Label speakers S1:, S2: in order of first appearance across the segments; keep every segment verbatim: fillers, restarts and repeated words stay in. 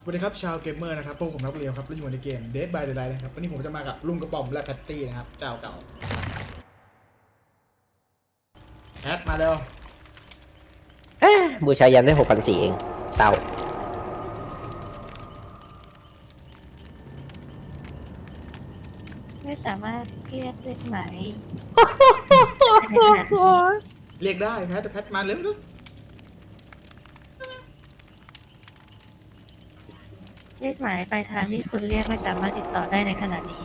S1: สวัสดีครับชาวเกมเมอร์นะครับพวกผมรับเรียวครับและอยู่ในเกม Dead by Daylight นะครับวันนี้ผมจะมากับลุงกระป๋อมและแพตตี้นะครับเจ้าเก่าแพทมาเร็ว
S2: เอ๊ะบูชายันได้หกพันสี่เองเศร้า
S3: ไม่สามารถเรียกเลขหมาย
S1: เรียกได้แพทแพทมาเร็วลูก
S3: เลขหมายปลายทางที่คุณเรียกไม่สามารถติดต่อได้ในขณะนี้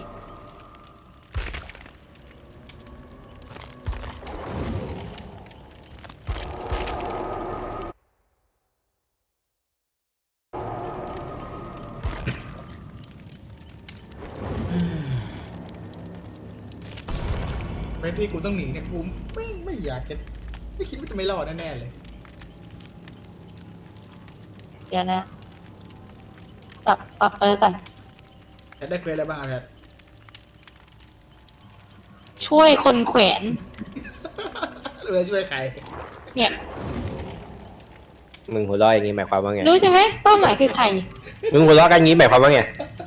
S1: แพทที่กูต้องหนีเนี่ยกูไม่ไม่อยากจะไม่คิดว่าจะไม่รอดแน่ๆเลย
S3: เดี๋ยวนะปรับปรับเออก่อน
S1: แพทได้เควสอะไรบ้างอะแพท
S3: ช่วยคนแขวน
S1: รู้จะช่วยใคร
S3: เนี่ย
S2: มึงหัวเราะอย่างนี้หมายความว่าไง
S3: รู้ใช่ไหมเป้าหมายคือใคร
S2: มึงหัวเราะกันงี้หมายความว่าไง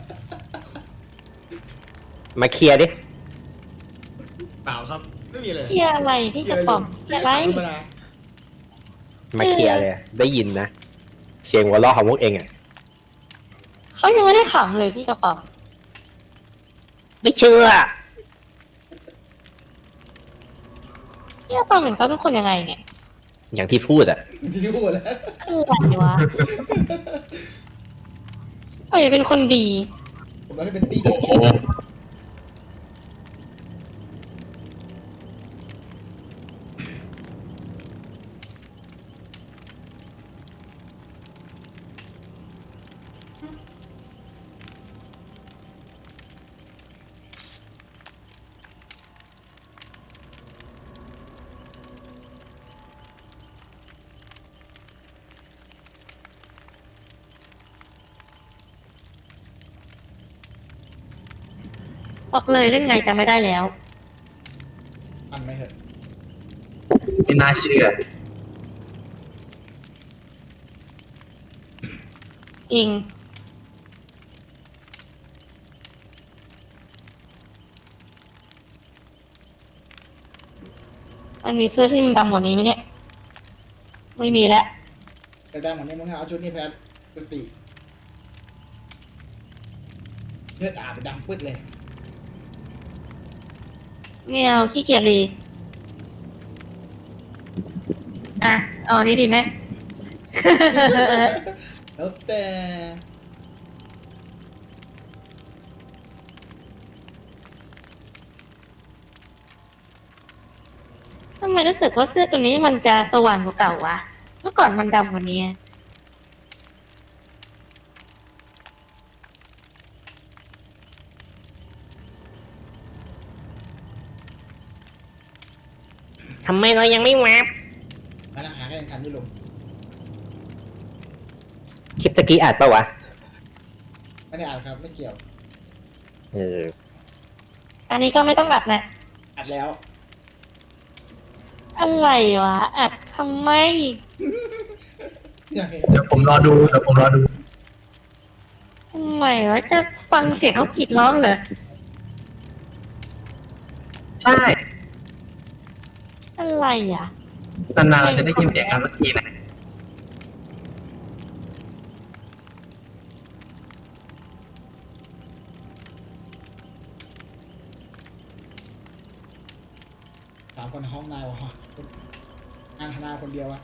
S2: มาเคลียร์ดิ
S1: เปล่าครับไม่มีเลย
S3: เคลียร์อะไรพี่กระป๋อมเคลียร์อะไร
S1: ธรรมดา
S2: มาเคลียร์เลยได้ยินนะเสียงหัวเราะของพวกเองอ่ะ
S3: เขายังไม่ได้ขำเลยพี่กระป๋อม
S2: ไม่เชื่อ
S3: พี่กระป๋อมเหมือนเขาเป็นคนยังไงเนี่ย
S2: อย่างที่พูดอ่ะ
S1: ที่พูดแล้ว
S3: อะไรวะเขาอยากเป็นคนดี
S1: ผมเราให้เป็นตีเฉย
S3: บอกเลยเรื่องไงจำไม่ได้แล้ว
S1: อันไหมเหอะ
S4: ไม่น่าเชื่อ
S3: จริงมันมีเสื้อที่มันดำกว่านี้ไหมเนี่ย ไม่มีแล้ว
S1: แต่ดังเหมือนนี้มึงเอาชุดนี้แพทกุฏิเลือดอาบไปดังปึ๊ดเลย
S3: ไม่เอาขี้เกียจรีอ่ะ เอาอันนี้ดีไหม
S1: แล้วแต่
S3: ทำไมรู้สึกว่าเสื้อตัวนี้มันจะสว่างกว่าเก่าวะ เมื่อก่อนมันดำกว่านี้
S2: ทำไมเรายังไม่แวบ
S1: มานั่งหากันยังทันอยู่ลุง
S2: คลิปตะกี้อัดปะวะ
S1: ไม่ได้อ่านครับไม่เกี่ยว
S2: เออ
S3: อันนี้ก็ไม่ต้องอัดนะ
S1: อัดแล้ว
S3: อะไรวะ อัดทำไม
S1: อยากเห็น
S4: เดี๋ยวผมรอดูเดี๋ยวผมรอดู
S3: ทำไมวะ จะฟังเสียงเขากรีดร้องเหรอ
S4: ใช่
S3: อะไรอ่ะ
S4: นานๆเราจะได้ยินเสียงกันสักทีนะ
S1: สามคนในห้องนายวะงานธนาคนเดียววะ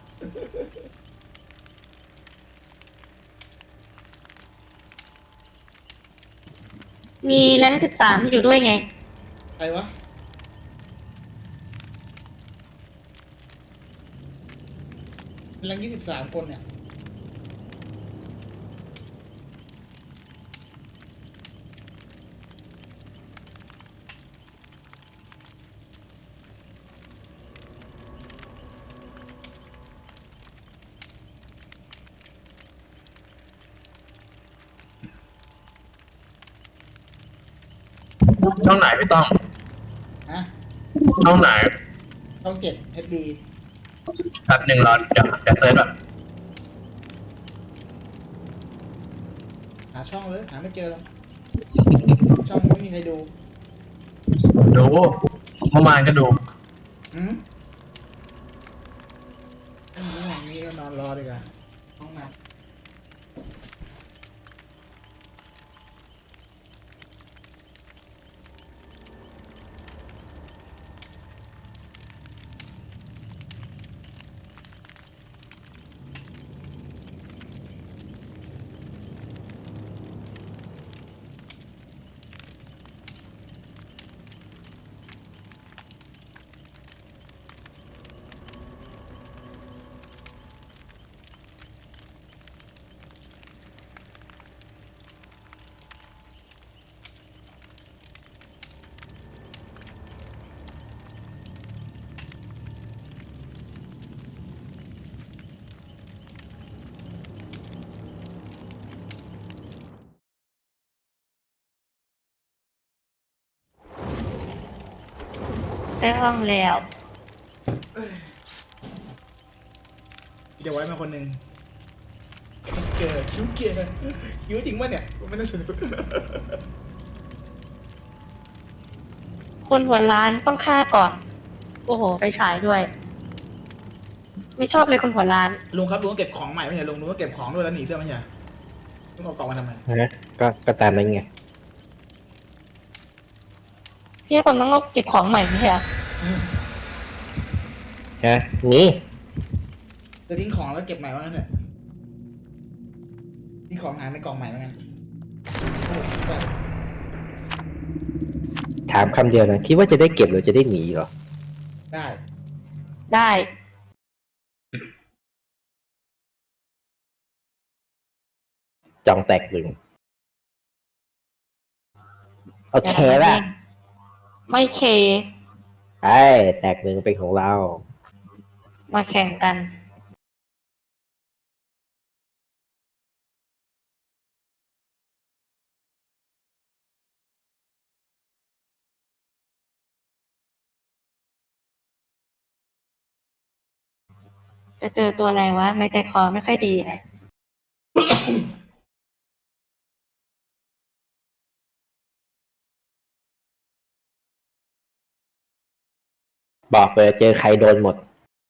S3: มีแรงสิบสามอยู่ด้วยไง
S1: ใครวะแรงยี่สิบสามคนเนี่ย
S4: ช่องไหนไม่ต้อง
S1: ฮะ
S4: ช่องไหน
S1: ช่องเจ็ดเอชดี
S4: แป๊บหนึ่งรอเดี๋ยวเดี๋ยวเซิร์ชแบบ
S1: หาช่องเลยหาไม่เจอหรอกช่องไม่มีใครดู
S4: ดูเมื่อวานก็ดู
S1: อืมไม่รู้อย่างนี้ก็นอนรอดีกว่าห้องน้ำ
S3: ได้ห้องแล้ว
S1: เดี๋ยวไว้มาคนหนึ่งเกิดชิวเกียร์คิวจริงป่ะเนี่ยไม่ต้องสนุก
S3: คนหัวร้านต้องฆ่าก่อน โอ้โหไฟฉายด้วย ไม่ชอบเลยคนหัวร้าน
S1: ลุงครับลุงต้องเก็บของใหม่ไม่ใช่ลุงลุงต้องเก็บของด้วยแล้วหนีด้วยไม่ใช่ลุงเอากล่องมาทำไม
S2: นะก็ก็ตามนั้นไง
S3: พี่ผมต้องเก็บของใหม่ไม่ใช่เหรอ
S2: ฮะนี่
S1: จะทิ้งของแล้วเก็บใหม่ว่างั้นเถอะทิ้งของหายในกล่องใหม่ว่างั้นโอ้โหแบบ
S2: ถามคำเดียวนะคิดว่าจะได้เก็บหรือจะได้หนีเหรอ
S1: ได้
S3: ได้
S2: จองแตกหนึ่งโอเคป่ะ
S3: ไม่เค
S2: ไอ้แตกหนึ่งเป็นของเรา
S3: มาแข่งกัน จะเจอตัวอะไรวะ ไม่ใจคอไม่ค่อยดีเลย
S2: บอกเลยเจอใครโดนหมด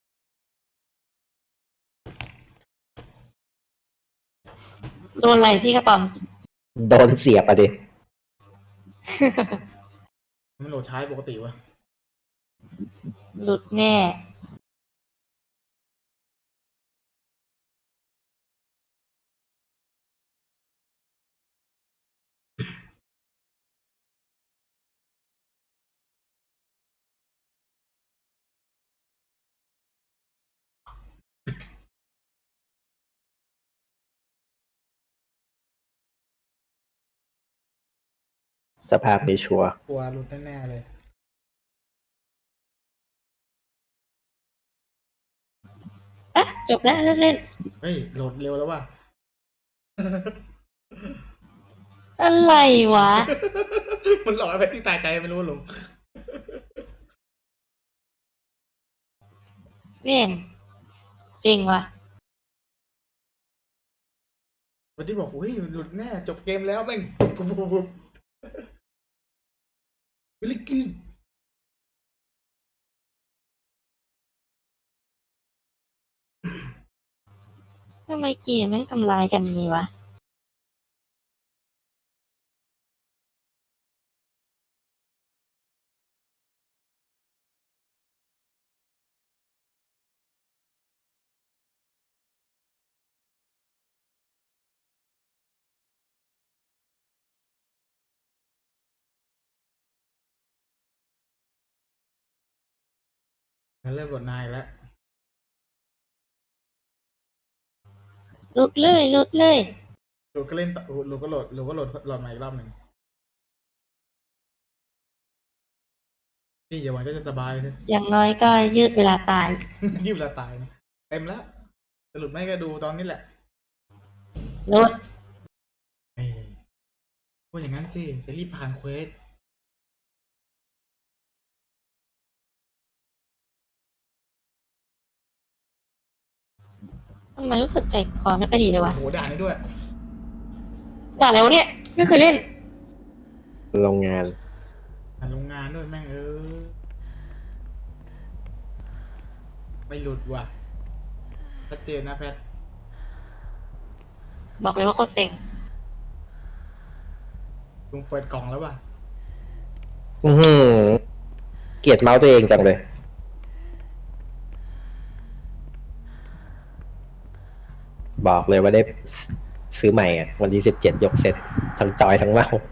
S3: โดนอะไรพี่กระป๋อม
S2: โดนเสียบอะดิ
S1: มันโหลดใช้ปกติวะ
S3: หลุดแน่
S2: สภาพนี้ชัวร์
S1: กลัวหลุดแน่ๆเลย
S3: อ่ะ จบแล้วเลิกเล่น
S1: เฮ้ยโหลดเร็วแล้วว่ะ
S3: อะไรวะ
S1: มันหลอกไปที่ตายใจไม่รู้ลุง
S3: เนี่ยจริงวะ
S1: วันที่บอกอุ้ยหลุดแน่จบเกมแล้วแม่งปุ๊บปุ๊บปุ๊บปุ๊บวิลลี่กิน
S3: ทำไมเกมไม่ทำลายกันงี้วะ
S1: เริ่มหลุดนายแล้ว
S3: หลุดเลยหลุดเลย
S1: ลุงก็เล่นต่อลุงก็โหลดลุงก็โหลดโหลดใหม่อีกรอบหนึ่งนี่อย่าหวังว่าจะสบายเลย
S3: อย่างน้อยก็ยืดเวลาตาย
S1: ยืมเวลาตายนะเต็มแล้วสรุปไม่ก็ดูตอนนี้แหละ
S3: หลุด
S1: เอ้ยพูดอย่างนั้นสิจะรีบผ่านเควส
S3: ทำไมรู้สึกใจคอไม่ค่อยดีเลยวะ
S1: โอ้โหด่านี้ด้วย
S3: ด่านอะไรวะเนี่ยไม่เคยเล่น
S2: โรงงาน
S1: อ่ะโรงงานด้วยแม่งเออไม่หลุดว่ะชัดเจนนะแพท
S3: บอกเลยว่าโคตรเซ็ง
S1: ลุงเปิดกล่องแล้วป่ะ
S2: อือหือเกลียดเมาส์ตัวเองจังเลย บอกเลยว่าได้ซื้อใหม่อ่ะ วันที่สิบเจ็ดยกเสร็จ ทั้งจอยทั้งเมาส์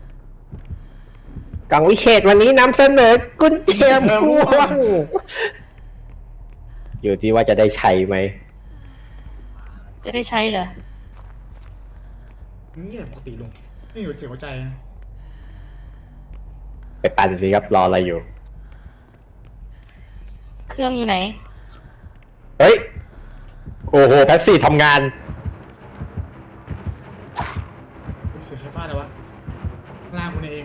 S2: กล่องวิเศษวันนี้นำเสนอกุญแจม่วงอยู่ที่ว่าจะได้ใช้ไหม
S3: จะได้ใช้เหรอ
S1: เงียบปกติลุงไม่อยู่เจ็บหัวใจนะ
S2: ไปปั่นสิครับ รออะไรอยู่
S3: เครื่องอยู่ไหน
S2: เฮ้ย โอ้โหแพสซี่ทำงาน
S1: เสียไฟฟ้าเลยวะล่างคุณเอง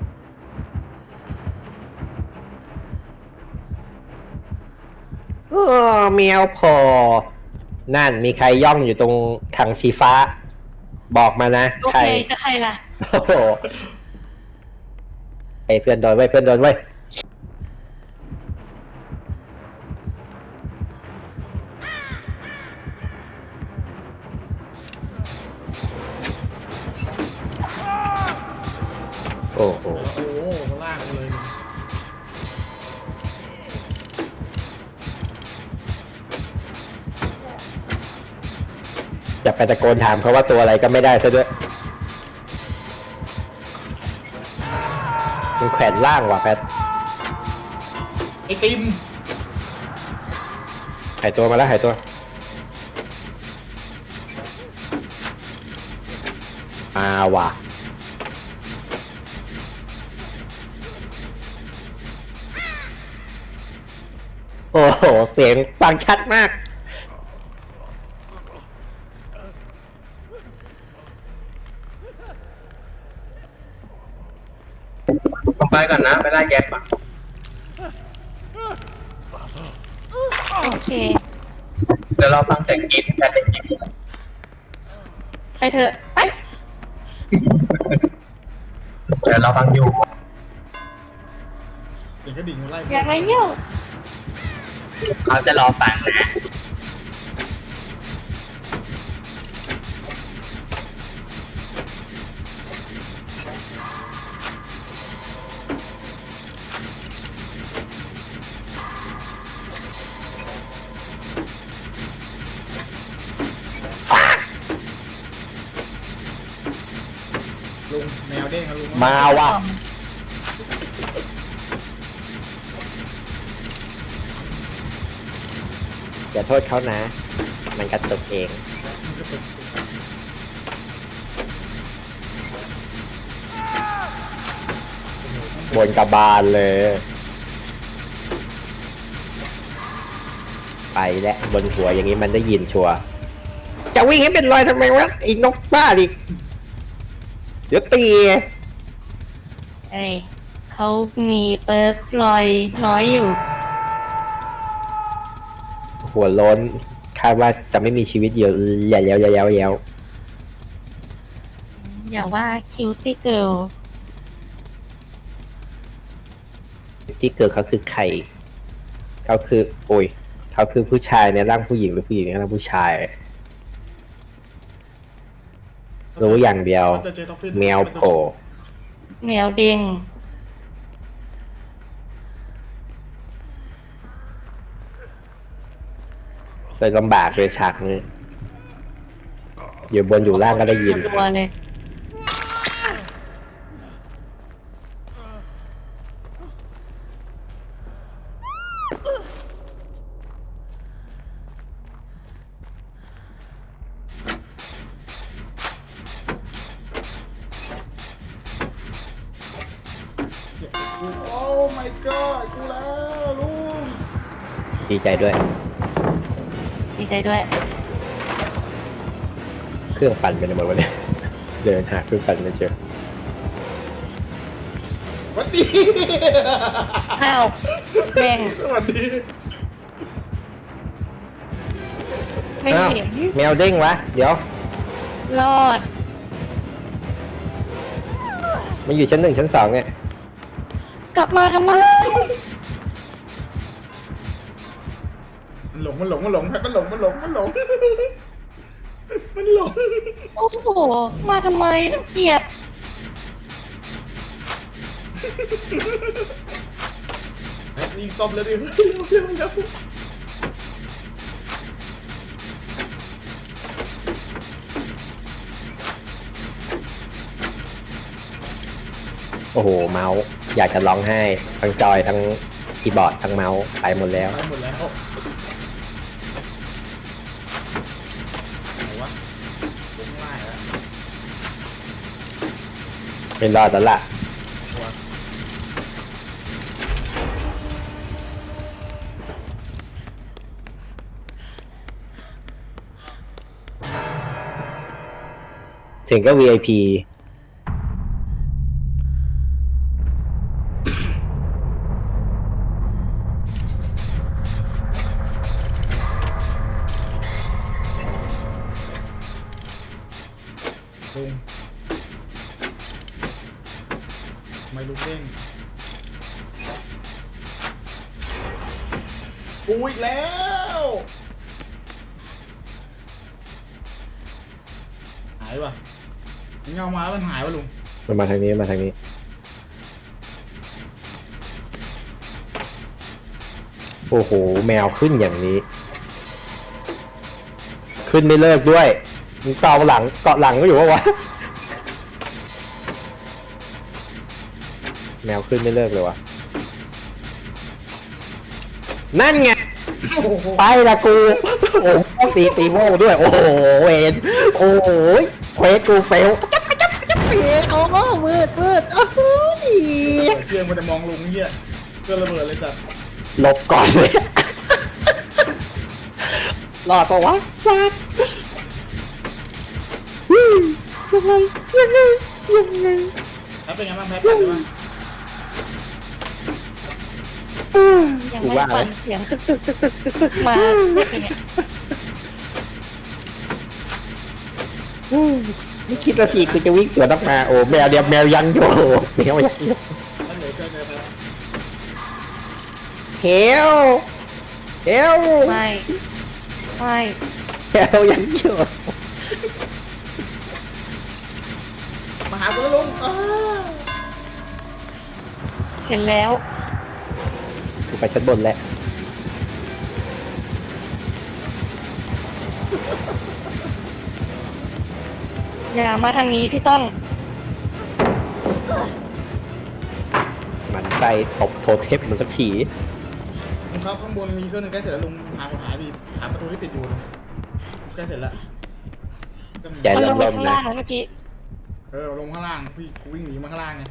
S2: เออเมียวพอ นั่นมีใครย่องอยู่ตรงถังสีฟ้า บอกมานะ
S3: โอ
S2: ใคร
S3: เคจะใครล่ะ
S2: โอ้โหไอ้เพื่อนโดนไว้ยเพื่อนโดนไว้ยโอ้โห
S1: โอ้โหล่างเลย
S2: จะไปตะโกนถามเขาว่าตัวอะไรก็ไม่ได้ซะด้วยมันแขวนล่างว่ะแพท
S1: ไอติม
S2: หายตัวมาแล้วหายตัวมาว่ะโอ้โห เสียงฟังชัดมาก
S4: ผมไปก่อนนะ ไปไล่แก๊สก่อน
S3: โอเค
S4: เดี๋ยวเราฟังเสียงกรีดแค่ได้ยิน
S3: ไปเถอะ ไป
S4: เดี๋ยวเราฟังอยู่
S1: เสียงกระดิ่งมันไล่
S3: อยากไรเนี่ย
S4: เขาจะรอฟังนะ
S1: ลุงแมวเด้งครับลุง
S2: มาว่ะอย่าโทษเขานะ มันกระตุกเอง
S1: มันก็เป็น
S2: บนกระบาลเลย ไปแล้วบนหัวอย่างนี้มันได้ยินชัวร์จะวิ่งให้เป็นรอยทำไมวะไอ้นกบ้าดิเดี๋ยวตี
S3: เอ้ยเขามีเปิร์กลอยน้อยอยู่
S2: หัวโล้นคาดว่าจะไม่มีชีวิตอยู่อย่าแล้วอย่าแล้วอย่าแล้ว
S3: อย่าว่าคิวตี้เกิล
S2: ที่เกิดเขาคือใครเขาคือโอ้ยเขาคือผู้ชายในร่างผู้หญิงหรือผู้หญิงในร่างผู้ชาย รู้อย่างเดียว
S1: จะเจอท็อฟฟี่
S2: แมวโผล่
S3: แมวเด้ง
S2: เลยลำบากเลยฉากนี้อยู่บนอยู่ล่างก็ได้ยิน
S3: ตัวเลย
S1: โอ้ my god กูแล้วลุง
S2: ดีใจด้วย
S3: ดีใจด้วย
S2: เครื่องปั่นเป็นหมดวันนี้เดินหาเครื่องปั่นไม่เจอ
S1: สวัสดี
S3: ข้าวแม่ง
S1: สวัสดี
S3: ไม่
S2: อ้าว
S3: เห็น
S2: แมวเด้งวะ เดี๋ยว
S3: รอด
S2: มันอยู่ชั้นหนึ่งชั้นสองเนี่ย
S3: กลับมาทำไม
S1: มันหลงมันหลงมันหลงแพทมันหลงมันหลงมันหลงมันหลง
S3: โอ้โห มาทำไมน่าเกลียด
S1: แพทนี่ซ่อมแล้วดิเร็วเร็วเร็ว
S2: โอ้โหเมาส์อยากจะร้องไห้ทั้งจอยทั้งคีย์บอร์ดทั้งเมาส์ไปหมดแล้ว
S1: ไปหมดแล้วไหนวะลงง่ายแล้ว
S2: เป็นรอดแล้วล่ะ
S1: ตัว
S2: ถึงก็ วี ไอ พี
S1: ลุงไม่ลุกเด้งกูอีกแล้วหายว่ะมันเงามาแล้วมันหายวะลุง
S2: มันมาทางนี้มาทางนี้ โอ้โห แมวขึ้นอย่างนี้ ขึ้นไม่เลิกด้วยมึงเกาะหลังเกาะหลังก็อยู่วะวะ แมวขึ้นไม่เลิกเลยวะนั่นไง
S1: โอ้โห
S2: ไปละกู โอ้โหตีตีโม่ด้วย โอ้โหเวนโอ้โหเควสกูเฟลจับจับจับเปียโอ้โหมืดมืดโอ้โห
S1: เชื่อมันจะมองลุงเหี้ยเพื่อระเบิดเลยจ้ะ
S2: หลบก่อนเลยรอดปะวะซักยังไงยังไงยังไง
S1: แพทเป็นไงบ้างแพทเป็นไงบ้าง
S3: ยัง
S2: กู
S3: ไม่
S2: ว่า
S3: ฟั
S2: เล
S3: ง
S2: ย
S3: เสียงตึกตึกตึกตึกตึกตึกมาไม่เป็นไง
S2: ไม่คิดว่าสิกูจะวิ่งสวนออกมาโอ้แมวเดียวแมวยังอยู่แมวยังอยู่
S1: แพทเหลือเกินเลยแพท
S2: เฮลเฮล
S3: ไม่ไม่
S2: เฮลยังอยู่
S1: มาหากูแล้วลุงอ้า
S3: เห็นแล้ว
S2: กูไปชั้นบนแล้ว
S3: อย่ามาทางนี้พี่ต้อง
S2: มันใส่ตบโทเทปมันสักที
S1: ลุงครับข้างบนมีเครื่องหนึงใกล้เสร็จแล้วลุงหาหาดีหาประตูที่ปิดอยู่ลุงใกล้เสร็จแล้ว
S2: ใจ
S3: มันลงไป
S2: เริ่ม
S3: ข้าง
S2: ๆ
S3: ล่า
S2: นะ
S3: งแล้วเมื่อกี้
S1: เออลงข้างล่างพี่กูวิ่งหนีมาข้างล่างไง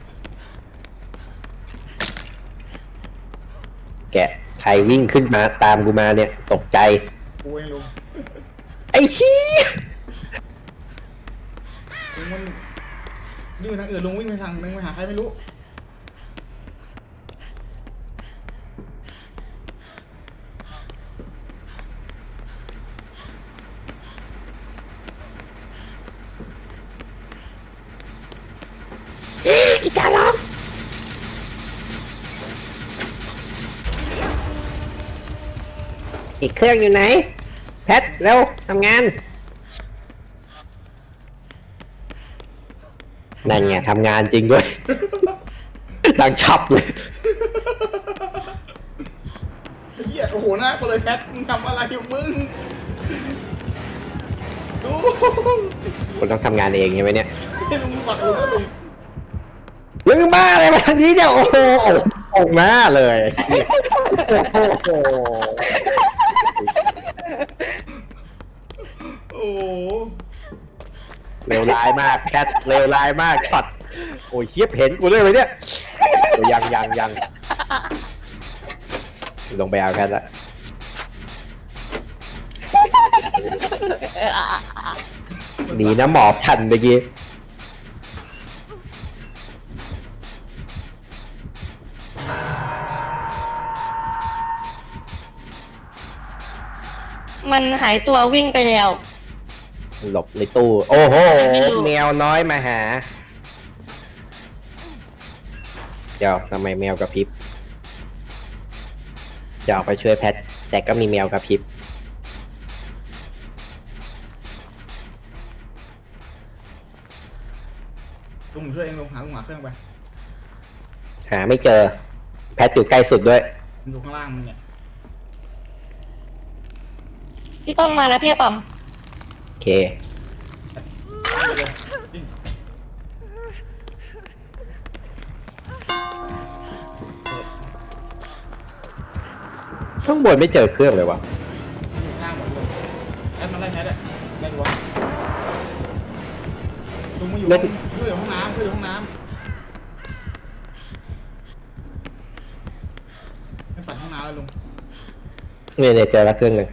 S2: แกะใครวิ่งขึ้นมาตามกูมาเนี่ย ตกใจ
S1: กูเองลุง
S2: ไอ้ชี้
S1: ลุงมันวิ่งไปทางอื่นลุงวิ่งไปทางนึงไปหาใครไม่รู้
S2: อีกาล้อมอีกเครื่องอยู่ไหน แพทเร็วทำงาน นั่นไงทำงานจริงด้วย ดังชับเลย
S1: ไอ้เหี้ยโอ้โหหน้ากูเลยแพทมึงทำอะไรอยู่มึงดู
S2: คุณต้องทำงานเองใช่ไหมเนี่ย
S1: ให้ลุงฝักลุงนะลุง
S2: เรื่องบ้าอะไรมาทางนี้เนี่ยโอ้โหออกหน้าเลยโอ้โห
S1: โอ้โห
S2: เลวร้ายมากแคทเลวร้ายมากช็อตโอ้ยเฮียเห็นกูด้วยไหมเนี่ยโอ้ยยังยังยังลงไปเอาแคทละดีนะหมอบทันเมื่อกี้
S3: มันหายตัววิ่งไปแล้ว
S2: หลบในตู้ โอ้โห
S3: ไม่รู้
S2: แมวน้อยมาหาดี๋ยวทำไมแมวกระพริบจะออกไปช่วยแพทแต่ก็มีแมวกระพริบ
S1: ลุงผมช่วยเองลุงหาลุงหาเครื่องไป
S2: หาไม่เจอ แพทอยู่ใกล้สุดด้วย
S1: มันอยู่ข้างล่างมึงเนี่ย
S3: พี่ต้องมาแล้วพี่อะปอม
S2: โอเค
S1: ไปเลยวิ่ง
S2: ข้างบนไม่เจอเครื่องเลยวะ
S1: อยู่ข้างล่างหมดเลยแอดมาไล่แพทอะไล่ดูวะลุงมาอยู่ห้องเพื่อนอยู่ห้องน้ำเพื่อนอยู่ห้องน้ำไม่ปัดห้องน้ำแล้วลุง
S2: เนี่ยเนี่ยเจอแล้วเครื่องหนึ่ง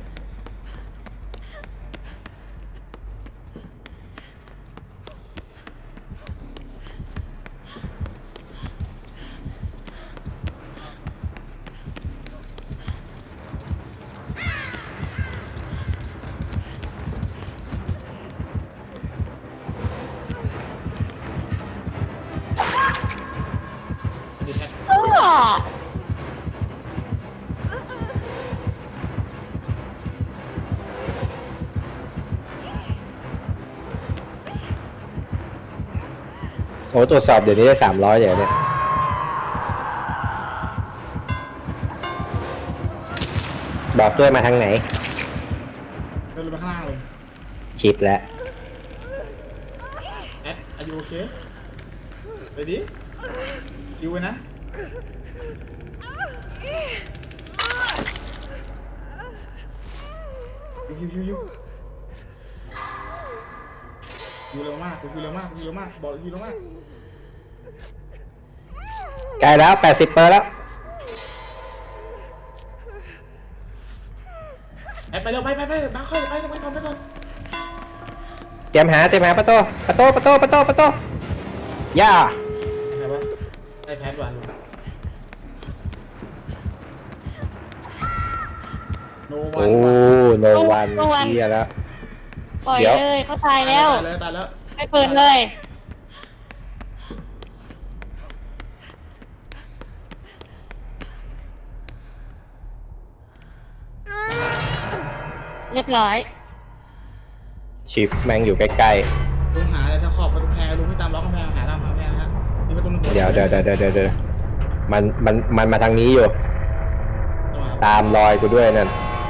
S1: เดี๋ยวแพท
S3: เออ
S2: โอ้ตรวจสอบเดี๋ยวนี้ได้สามร้อยอย่างเนี้ยบอกด้วยมาทางไหน
S1: เดินลงไปข้างล่างเลย
S2: ชิปแล้ว
S1: แอดอายุโอเคไปดิคิวไว้นะคิวคิวคิวคิวคิวเร็วมากคิวเร็วมากคิวเร็วมากบอกคิวเร็วมาก
S2: ใกล้แล้วแปดสิบเปอร์แล้ว
S1: แอดไปเร็วไปไปไปมาค่อยไปไปก่อนไปก่อน
S2: เตรียมหาเตรียมหาประตูประตูประตูประตูประตูย่า
S1: ไหนวะไอแพดวานโนวั
S2: โอ้
S1: น
S2: โนวันเฮียแล้ว
S3: ปล่อย
S2: เดี๋ยว
S3: เลยเขาตายแล้ว
S1: ตายแล้วตายแล้ว
S3: ไม่เปิดเลย เรียบร้อย
S2: ชิปแม่งอยู่ใกล้
S1: ลุงหาอะไรถ้าขอบประตูแพรลุงไม่ตามล็อกกำแพงหาตามกำแพงนะฮะนี่ประตูหนึ่ง
S2: ๆ เดี๋ยวเดี๋ยวเดี๋ยวเดี๋ยวเดี๋ยวเดี๋ยวมันมันมันมาทางนี้อยู่ ตามรอยกูด้วยนั่น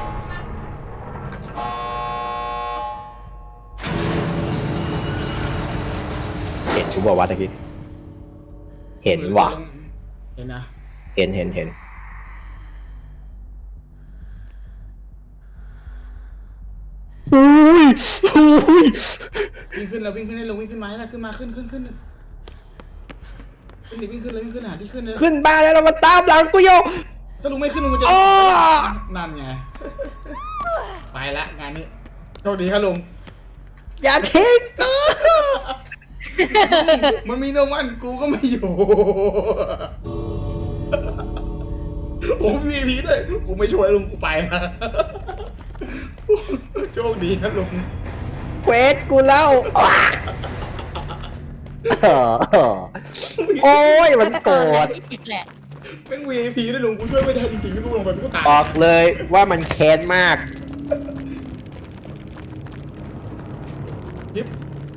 S2: เห็นกูบอกว่าตะกี้ เห็นว่ะ
S1: เห็นนะ
S2: เห็นเห็นเห็นอุ้ยอุ้ย
S1: วิ่งขึ้นแล้ววิ่งขึ้นได้ลงวิ่งขึ้นมาให้ได้ขึ้นมาขึ้นขึ้นขึ้นขึ้นดิวิ่งขึ้นเลยวิ่งขึ้นหาที่ขึ้นเลย
S2: ขึ้นบ้านแล้วมาตามหลังกูโย
S1: ถ้าลุงไม่ขึ้นลุงจะ
S2: อ้อ
S1: นั่นไงไปละงานนี้โชคดีครับลุง
S2: อย่าทิ้งกู
S1: มันมีโนวันกูก็ไม่อยู่ผมมีพีด้วยกูไม่ช่วยลุงกูไปนะโชคดีนะลุง
S2: เควสกูเล่าอ้าโอ้ยมันโกรธ
S3: ไม่ผิดแหละ
S1: แม่ง วี ไอ พี ด้วยลุงกูช่วยไม่ได้จริงๆที่กูลงไปกูตาย
S2: บอกเลยว่ามันแค้นมาก